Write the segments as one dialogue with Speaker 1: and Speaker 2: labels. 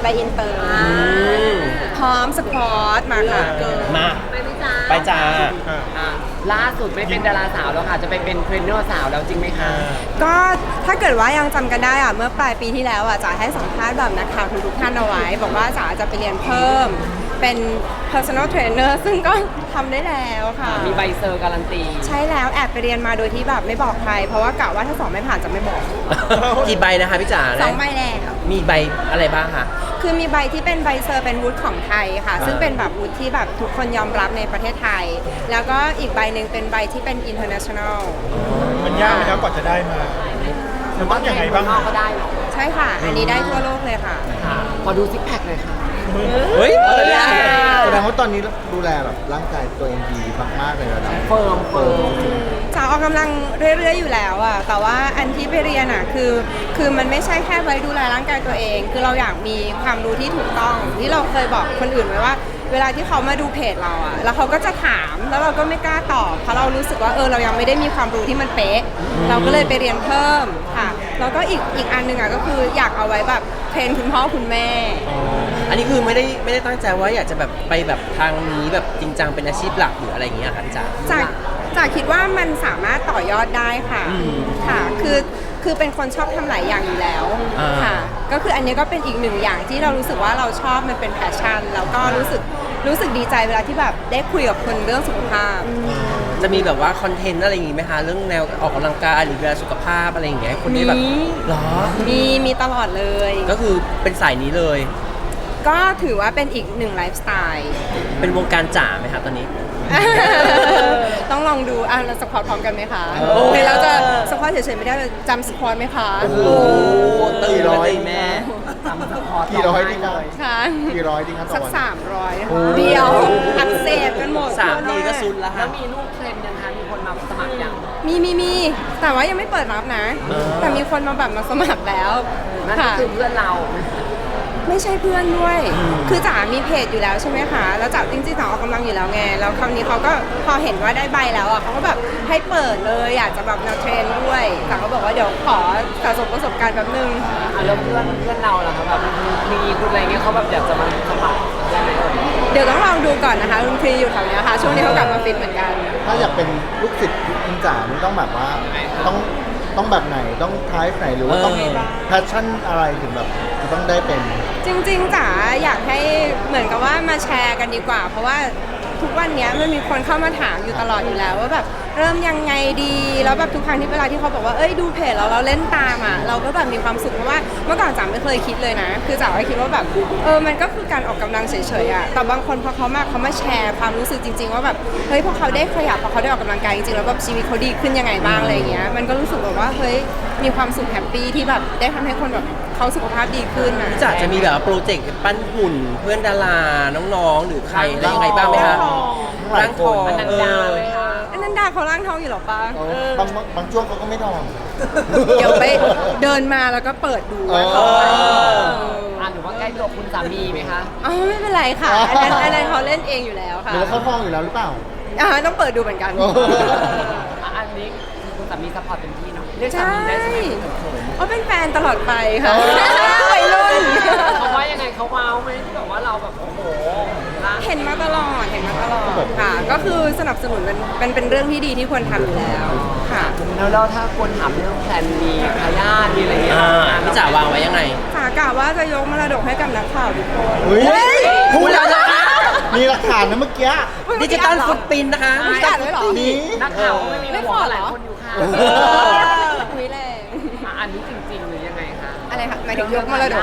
Speaker 1: ใบอินเตอร์พร้อมสปอร์ตมาค่ะ
Speaker 2: มา
Speaker 3: ไปไหมจ๊ะ
Speaker 2: ไปจ้า
Speaker 3: ล่าสุดไม่เป็นดาราสาวแล้วค่ะจะไปเป็นเทรนเนอร์สาวแล้วจริงไหมคะ
Speaker 1: ก็ถ้าเกิดว่ายังจำกันได้อะเมื่อปลายปีที่แล้วอะจ๋าให้สัมภาษณ์แบบนักข่าวทุกท่านเอาไว้บอกว่าจ๋าจะไปเรียนเพิ่มเป็น personal trainer ซึ่งก็ทำได้แล้วค่ะ
Speaker 3: มีใบเซอร์การันตี
Speaker 1: ใช่แล้วแอบไปเรียนมาโดยที่แบบไม่บอกใครเพราะว่ากะว่าถ้าสอบไม่ผ่านจะไม่บอก
Speaker 2: กี่ใบนะคะพี่จ๋า
Speaker 1: 2 ใบแล้ว
Speaker 2: มีใบอะไรบ้างคะ
Speaker 1: คือมีใบที่เป็นใบเซอร์เป็นวุฒิของไทยค่ะซึ่งเป็นแบบวุฒิที่แบบทุกคนยอมรับในประเทศไทยแล้วก็อีกใบหนึ่งเป็นใบที่เป็น international
Speaker 4: มันยากไหมครับกว่าจะได้มามันต้องยังไงบ้าง
Speaker 3: ก็ได้หรอ
Speaker 1: ใช่ค่ะอันนี้ได้ทั่วโลกเลยค่ะ
Speaker 3: ขอดูซิกแพคเลยค่ะ
Speaker 2: เฮ้ย
Speaker 5: แสดงว่าตอนนี้ดูแลแบบร่างกายตัวเองดีมากๆเลยนะ
Speaker 3: เฟิร์ม
Speaker 1: จ๋าออกกำลังเรื่อยๆอยู่แล้วอะแต่ว่าอันที่ไปเรียนอะคือมันไม่ใช่แค่ไว้ดูแลร่างกายตัวเองคือเราอยากมีความรู้ที่ถูกต้องที่เราเคยบอกคนอื่นไว้ว่าเวลาที่เขามาดูเพจเราอะแล้วเขาก็จะถามแล้วเราก็ไม่กล้าตอบเพราะเรารู้สึกว่าเรายังไม่ได้มีความรู้ที่มันเป๊ะเราก็เลยไปเรียนเพิ่มค่ะแล้วก็อีกอันหนึ่งอะก็คืออยากเอาไว้แบบเทรนคุณพ่อคุณแม่
Speaker 2: อันนี้คือไม่ได้ตั้งใจว่าอยากจะแบบไปแบบทางนี้แบบจริงจังเป็นอาชีพหลักหรืออะไรอย่างเงี้ยค่ะจ๋า
Speaker 1: จากคิดว่ามันสามารถต่อยอดได้ค่ะค่ะคือเป็นคนชอบทำหลายอย่างอยู่แล้วค่ะก็คืออันนี้ก็เป็นอีกหนึ่งอย่างที่เรารู้สึกว่าเราชอบมันเป็นแพชชั่นแล้วก็รู้สึกดีใจเวลาที่แบบได้คุยกับคนเรื่องสุขภาพ
Speaker 2: จะมีแบบว่าคอนเทนต์อะไรอย่างงี้ไหมคะเรื่องแนวออกกำลังกายหรือดูแลสุขภาพอะไรอย่างเงี้ยคนได้แบบหรอ
Speaker 1: มีตลอดเลย
Speaker 2: ก็คือเป็นสายนี้เลย
Speaker 1: ก็ถือว่าเป็นอีกหนึ่งไลฟ์สไตล์
Speaker 2: เป็นวงการจ๋าไหมครับตอนนี้
Speaker 1: ต้องลองดูเราสควอตพร้อมกันไหมคะหรือเราจะสควอตเฉยๆไม่ได้จำสควอตไหมคะ
Speaker 2: โอ้โหตื่นเลยแม่
Speaker 3: จำสควอต
Speaker 5: กี่ร้อยดีครับ
Speaker 1: ค่ะ
Speaker 5: กี่ร้อยดีครับ
Speaker 1: สัก300เดียวอักเสบกันหมด
Speaker 2: 3 ทีก็ซุนแล้ว
Speaker 3: แล้วมีลูกเทรนนะคะมีคนมาสมัครยัง
Speaker 1: มีแต่ว่ายังไม่เปิดรับนะแต่มีคนมาแบบมาสมัครแล้ว
Speaker 3: นั่นคือเพื่อนเรา
Speaker 1: ไม่ใช่เพื่อนด้วยคือจ๋ามีเพจอยู่แล้วใช่ไหมคะแล้วจ๋าจริงๆจ๋าออกกำลังอยู่แล้วไงแล้วคราวนี้เขาก็พอเห็นว่าได้ใบแล้วอ่ะเขาก็แบบให้เปิดเลยอยากจะแบบแนวเทรนด้วยจ๋าก็บอกว่าเดี๋ยวขอสะสมประสบการณ์แป๊บนึง
Speaker 3: แล้วเพื่อนเราล่ะคะแบบมีคุณอะไรเงี้ยเขาแบบอยากจะมาสมัครได้ไหม
Speaker 1: เดี๋ยวต้องลองดูก่อนนะคะคุณครีอยู่แถวนี้ค่ะช่วงนี้เขากลับมาฟิตเหมือนกัน
Speaker 5: ถ้าอยากเป็นลูกศิษย์คุณจ๋านี่ต้องแบบว่าต้องแบบไหนต้องท้ายไหนหรือว่าต้องแพชชั่นอะไรถึงแบบจะต้องได้เป็น
Speaker 1: จริงๆจ๋าอยากให้เหมือนกับว่ามาแชร์กันดีกว่าเพราะว่าทุกวันนี้มันมีคนเข้ามาถามอยู่ตลอดอยู่แล้วว่าแบบเริ่มยังไงดีแล้วแบบทุกครั้งที่เวลาที่เขาบอกว่าดูเพจเราเล่นตามอ่ะเราก็แบบมีความสุขเพราะว่าเมื่อก่อนจ๋าไม่เคยคิดเลยนะคือจ๋าก็คิดว่าแบบมันก็คือการออกกำลังเฉยๆอ่ะแต่บางคนพอเขามาแชร์ความรู้สึกจริงๆว่าแบบเฮ้ยพอเขาได้ขยับพอเขาได้ออกกำลังกายจริงๆแล้วแบบชีวิตเขาดีขึ้นยังไงบ้างอะไรอย่างเงี้ยมันก็รู้สึกแบบว่าเฮ้ยมีความสุขแฮปปี้ที่แบบได้ทำให้คนแบบเขาสุขภาพดีขึ้นนะ
Speaker 2: จ๋าจะมีแบบโปรเจกต์ปั้นหุ่นเพื่อนดาราน้องๆหรือใครอะไรยังไงบ้างไหมคะร่างทอง
Speaker 3: อนันดาเลยค่ะ
Speaker 1: อนันดาเขาร่างทองอยู่หรอปะ
Speaker 5: บางช่วงเขาก็ไม่ทอง
Speaker 1: เดี๋ยวไปเดินมาแล้วก็เปิดดูว่าเขา
Speaker 3: หรือว่าใกล้ตัวคุณสามีไหมคะ
Speaker 1: ไม่เป็นไรค่ะอันนั้นเขาเล่นเองอยู่แล้วค่ะ
Speaker 5: หรือเขาทองอยู่แล้วหรือเปล่า
Speaker 1: ต้องเปิดดูเหมือนกัน
Speaker 3: อันนี้คุณสามีซัพพอร์ตเต็มที่เนาะเรียกสามีได้ใช่ไหม
Speaker 1: เป็นแฟนตลอดไปค่ะวัยรุ่น
Speaker 3: เขาว่ายังไงเขาว้าวไหมที่แบบว่าเราแบบโอ้โห
Speaker 1: เห็นมาตลอดค่ะก็คือสนับสนุนเป็นเรื่องที่ดีที่ควรทำอยู่แล้วค่ะ
Speaker 3: แล้วถ้าคนถามเรื่องแพลนมีทายาทมีอะไรเงี้ย
Speaker 2: พี่จ๋าวางไว้ยังไง
Speaker 1: กะว่าจะยกมรดกให้กับนักข่าวทุกคน
Speaker 5: พูดแล้วนะคะมีหลักฐานนะเมื่อกี้
Speaker 2: ดิจิตอลฟุตปรินท์นะคะ
Speaker 1: มีการด้วยหรอ
Speaker 3: นักข่าวไม่มีหัวหลายคนอยู่ค่ะ
Speaker 1: คุยแรง
Speaker 3: อันนี้จริงๆหรือยังไงคะ
Speaker 1: อะไรคะหมายถึงยกมรดก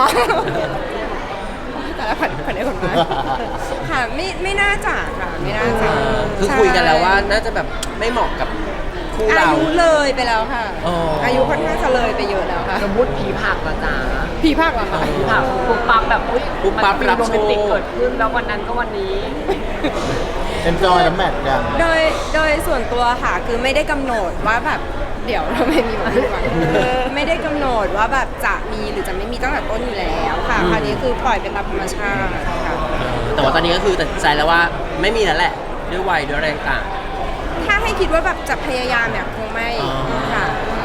Speaker 1: แต่ละผ่านได้คนมาค่ะไม่น่าจะค่ะไม่น่าจะ
Speaker 2: คือคุยกันแล้วว่าน่าจะแบบไม่เหมาะกับคู่เรา
Speaker 1: อายุเลยไปแล้วค่ะอายุค่อนข้างจะเลยไปเยอะแล้วค่ะ
Speaker 3: สมมติผีผักละจ๋า
Speaker 1: ผีผักเหรอคะ
Speaker 3: ผีผักปุ๊บปั๊บแบบปุ๊บปั๊บรับโรแมนติกเกิดขึ้นแล้ววันนั้นก็วันนี้
Speaker 5: enjoy น้ำแมทกัน
Speaker 1: โดยส่วนตัวค่ะคือไม่ได้กำหนดว่าแบบเดี๋ยวเราไม่มีวันนี้ไม่ได้กำหนดว่าแบบจะมีหรือจะไม่มีตั้งแต่ต้นอยู่แล้วค่ะคราวนี้คือปล่อยเป็นตามธรรมชาติค่ะ
Speaker 2: แต่ว่าตอนนี้ก็คือตัดสินใจแล้วว่าไม่มีแล้วแหละด้วยวัยด้วยแรงต่าง
Speaker 1: ถ้าให้คิดว่าแบบจะพยายามเนี่ยคงไม่ค่ะ
Speaker 3: แต่ถ้า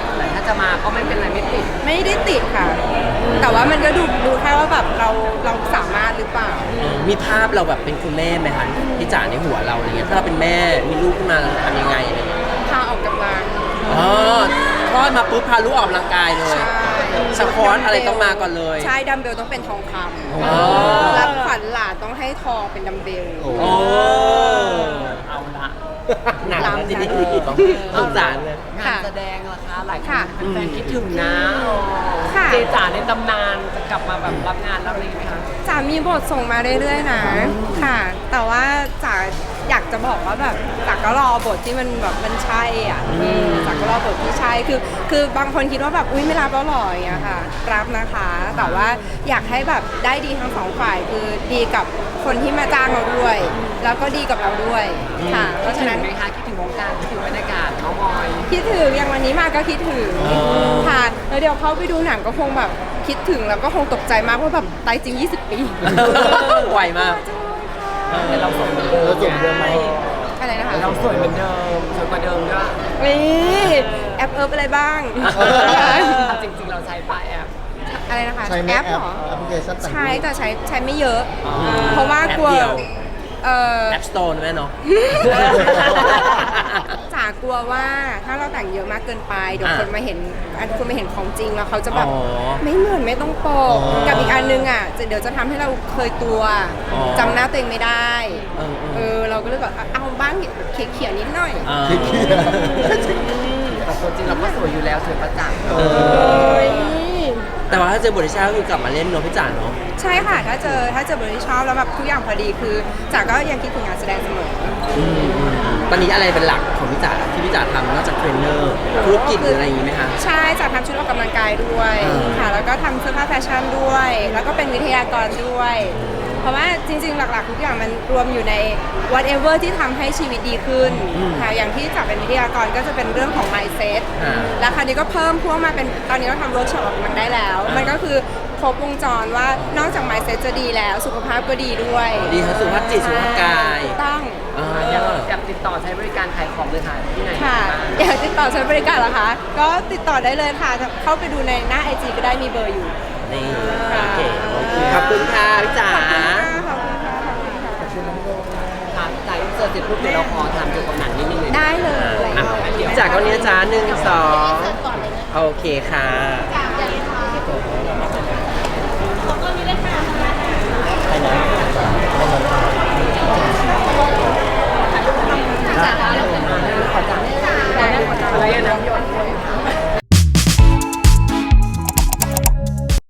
Speaker 3: จะมาก็ไม่เป็นไรไม่ติด
Speaker 1: ไม่ได้ติดค่ะ แต่ว่ามันก็ดูแค่ว่าแบบเราสามารถหรือเปล่า
Speaker 2: มีภาพเราแบบเป็นคุณแม่ไหมคะพี่จ๋าในหัวเราอะไรเงี้ยถ้าเราเป็นแม่มีลูกขึ้นมาเราทำยังไงอะไรเงี้ย
Speaker 1: พาออกกำลัง
Speaker 2: อ๋อคลอดมาปุ๊บพาลูกออกกำลังกายเลย สควอตอะไรต้องมาก่อนเลย
Speaker 1: ใช่ดัมเบลต้องเป็นทองค
Speaker 2: อ๋อ
Speaker 1: ำรับขวัญหลานต้องให้ทองเป็นดัมเบล
Speaker 5: โอ้
Speaker 2: โอ้เอาละหนักแล้วทีนี้สงสารเลย
Speaker 3: งาน
Speaker 1: ค่ะ
Speaker 3: แสดงล่ะคะหลายค
Speaker 1: ค่ะ
Speaker 3: นแฟนๆคิดถึงนะ
Speaker 1: ค่ะ
Speaker 3: เจจ๋าในตำนานจะกลับมาแบบรับงานรับอะไรไหมคะ
Speaker 1: จ๋ามีบทส่งมาเรื่อยๆนะค่ะ แต่ว่าจ๋าอยากจะบอกว่าแบบจ๋าก็รอบทที่มันแบบมันใช่อ่ะจ๋าก็รอบทที่ใช่คือบางคนคิดว่าแบบอุ้ยไม่รับแล้วหรออย่างเงี้ยค่ะ รับนะคะ แต่ว่าอยากให้แบบได้ดีทั้งสองฝ่ายคือดีกับคนที่มาจ้างเราด้วย แล้วก็ดีกับเราด้วยค่ะเพราะฉะนั้น
Speaker 3: คิดถึงไหมคะคิดถึงวงการคิดถึงบรรยากาศเมาส์มอย
Speaker 1: คิดถึงอย่างวันนี้มาก็คิดถึงค่ะแล้วเดี๋ยวเข้าไปดูหนังก็คงแบบคิดถึงแล้วก็คงตกใจมากว่าแบบตายจริง 20 ปี
Speaker 2: ไวมาก
Speaker 3: แต่เราสวยเหมือนเดิม
Speaker 5: เราสวยเหมือนเดิมไหม
Speaker 1: อะไรนะคะ
Speaker 3: เราสวยเหมือนเดิมสวยกว่าเดิมด้วย
Speaker 1: นี่แอปอะไรบ้าง
Speaker 3: เอาจริงๆเราใช้ป้ายแอป
Speaker 1: อะไรนะคะ
Speaker 5: ใช้ไหม
Speaker 1: แอ
Speaker 5: แอ
Speaker 1: ป
Speaker 5: ป
Speaker 1: เหรอ
Speaker 5: แอปพลิเคชันต่าง
Speaker 1: ใช้แต่ใช้ไม่เยอะ
Speaker 2: อ๋อ
Speaker 1: เพราะว่ากลัว
Speaker 2: แอปเดียว
Speaker 1: เออ
Speaker 2: แอปสโตร์แม่เนาะ
Speaker 1: จ๋ากลัวว่าถ้าเราแต่งเยอะมากเกินไปเดี๋ยว
Speaker 2: อ่ะ
Speaker 1: คนมาเห็นคนมาเห็นของจริงแล้วเขาจะแบบ
Speaker 2: อ๋อ
Speaker 1: ไม่เหมือนไม่ต้องโปกกับอีกอันนึงอ่ะเดี๋ยวจะทำให้เราเคยตัว
Speaker 2: อ๋อ
Speaker 1: จำหน้าตัวเองไม่ได้
Speaker 2: เออ
Speaker 1: เราก็เลยแบบเอาบ้างเขียนนิดหน่อย
Speaker 2: อ่า
Speaker 5: ๆเคลียร์
Speaker 3: แต่ตัวจริงเราก็สวยอยู่แล้วสวยประจักษ์
Speaker 2: เออแต่ว่าถ้าเจอบทที่ใช่ก็คือกลับมาเล่นเนาะพี่จ๋าเนาะ
Speaker 1: ใช่ค่ะถ้าเจอบทที่ชอบแล้วแบบทุกอย่างพอดีคือจ๋าก็ยังคิดถึงงานแสดงเสมอ
Speaker 2: ตอนนี้อะไรเป็นหลักของพี่จ๋าที่พี่จ๋าทำนอกจากเทรนเนอร์ธุรกิจหรืออะไรอย่างนี้ไหมคะ
Speaker 1: ใช่จ๋าทำชุดออกกำลังกายด้วย
Speaker 2: อ่า
Speaker 1: ค่ะแล้วก็ทำเสื้อผ้าแฟชั่นด้วย แล้วก็เป็นวิทยากรด้วย เพราะว่าจริงๆ หลักๆ ทุกอย่างมันรวมอยู่ใน whatever ที่ทำให้ชีวิตดีขึ้นค่ะอย่างที่จ๋าเป็นวิทยากรก็จะเป็นเรื่องของ mindset
Speaker 2: อ่า
Speaker 1: แล้วคราวนี้ก็เพิ่มพวกมาเป็นตอนนี้เราทำเวิร์กช็อปมันได้แล้ว มันก็คือครบวงจรว่านอกจาก mindset จะดีแล้วสุขภาพก็ดีด้วย
Speaker 2: ดีทั้งสุขภาพจิตสุขภาพกาย
Speaker 1: ถูกต้อง
Speaker 2: อ่า
Speaker 3: อยากติดต่อใช้บริการขายของเลยค่ะที่ไหน
Speaker 1: ค่ะ
Speaker 3: บ้าง
Speaker 1: อยากติดต่อใช้บริการเหรอคะ ก็ติดต่อได้เลยค่ะ เข้าไปดูในหน้า IG ก็ได้มีเบอร์อยู่
Speaker 2: นี่โอเคขอบคุณค่ะพี่จ๋า
Speaker 1: ขอบคุณค่ะขอบคุณค่ะขอบคุณค่ะ
Speaker 3: ค่ะจากอินเสิร์ตเสร็จปุ๊บเดี๋ยวเราขอถามเกี่ยวกับหนังนิดนึงเลย
Speaker 1: ได้เลย
Speaker 2: อ่ะพี่จ๋าก็เนี้ยจ้า1 2โอเคค่ะ